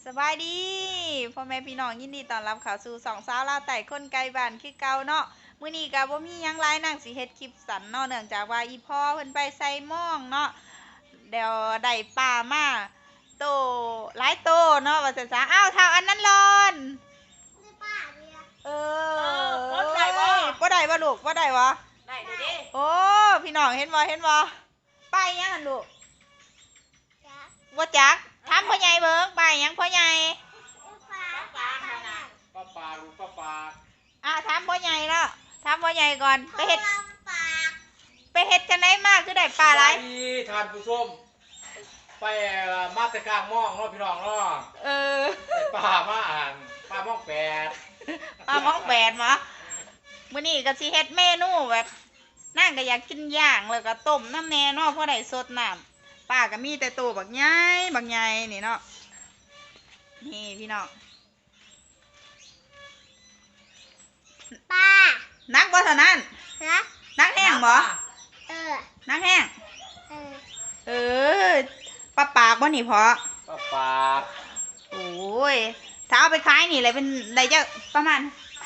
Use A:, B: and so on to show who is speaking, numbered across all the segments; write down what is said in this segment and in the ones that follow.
A: สบายดีพ่อแม่พี่น้องยินดีต้อนรับเข้าสู่สองสาวลาวไต่คนไกลบ้านคือเก่าเนาะมื้อนี้ก็บ่มีหยังหลายนางสิเฮ็ดคลิปสั้นเนาะเนื่องจากว่าอีพ่อเพิ่นไปใส่หม้องเนาะเดี๋ยวได้ปลามาโตหลายโตเนาะว่าซั่นซะอ้าวเท่าอันนั้นร้อนเออบ่ได้บ่ลูกบ่ได้บ่
B: ได้ดูดิ
A: โอ้พี่น้องเห็นบ่ไปยังหั่นลูกบ่จักถามพ่อใหญ่เบิ่งไปยังพ่อใหญ่
B: ป้าลูกป้า
A: ถามพ่อใหญ่แล้วถามพ่อใหญ่ก่อนไปเฮ็ดจังได๋มาคือได้ปลาหลาย
B: ทานผู้ชมไปมาตะกลางม่องเนาะพี่น้องเนาะปลามาปลาม่องแปด
A: ปลาม่องแปดหรอมื้อนี้ก็สิเฮ็ดเมนูแบบนั่งก็อยากกินย่างแล้วก็ต้มน้ำแน่เนาะเพราะได้สดน้ำปลาก็มีแต่ตัวบักใหญ่นี่เนาะนี่พี่น้อง
C: ป้า
A: นักบ่เท่านั้นนักแห้งบ่นักแห้งเออปลาปากบ่นี่พอ
B: ปลาปาก
A: โอ้ยถ้าเอาไปขายนี่เลยเป็นได้จะประมาณ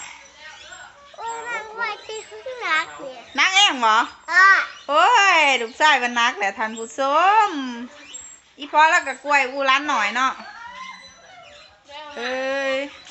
C: มันไว้ที่ข้างหลังเนี่ย
A: นักแห้งบ่โอ้ยลูกชายเป็นนักแหละท่านผู้ชมอีพอแล้วก็กล้วยอูร้านหน่อยเนาะเอ้ย